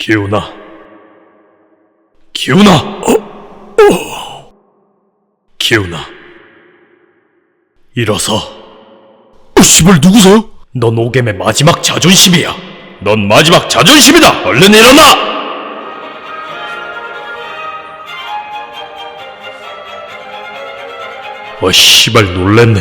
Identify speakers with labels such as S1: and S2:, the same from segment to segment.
S1: 기훈아. 기훈아! 기훈아. 일어서. 씨발, 누구세요? 넌 오겜의 마지막 자존심이야. 넌 마지막 자존심이다! 얼른 일어나! 씨발, 놀랬네.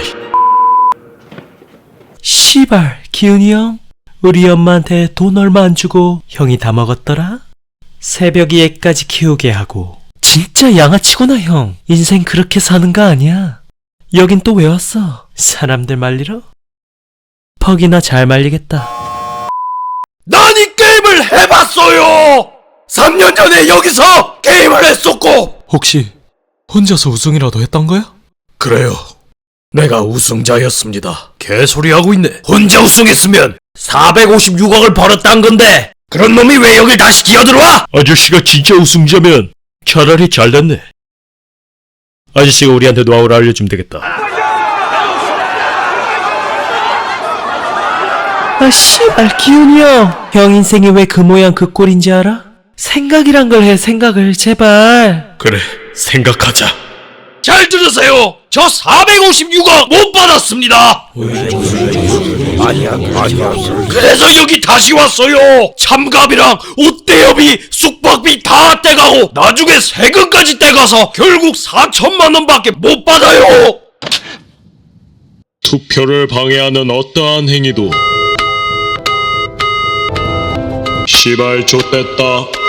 S2: 씨발, 기훈이 형? 우리 엄마한테 돈 얼마 안 주고 형이 다 먹었더라? 새벽 이애까지 키우게 하고. 진짜 양아치구나, 형. 인생 그렇게 사는 거 아니야. 여긴 또 왜 왔어? 사람들 말리러? 퍽이나 잘 말리겠다.
S1: 난 이 게임을 해봤어요! 3년 전에 여기서 게임을 했었고!
S2: 혹시 혼자서 우승이라도 했던 거야?
S1: 그래요. 내가 우승자였습니다. 개소리하고 있네. 혼자 우승했으면 456억을 벌었단 건데 그런 놈이 왜 여길 다시 기어들어와? 아저씨가 진짜 우승자면 차라리 잘됐네. 아저씨가 우리한테 노하우를 알려주면 되겠다.
S2: 씨발, 기훈이 형. 형 인생이 왜 그 모양 그 꼴인지 알아? 생각이란 걸 해, 생각을. 제발.
S1: 그래, 생각하자. 잘 들으세요. 저 456억 못 받았습니다. 아니야. 그래서 여기 다시 왔어요. 참갑이랑 옷 대여비, 숙박비 다 떼가고 나중에 세금까지 떼가서 결국 4천만 원밖에 못 받아요.
S3: 투표를 방해하는 어떠한 행위도 시발 좆됐다.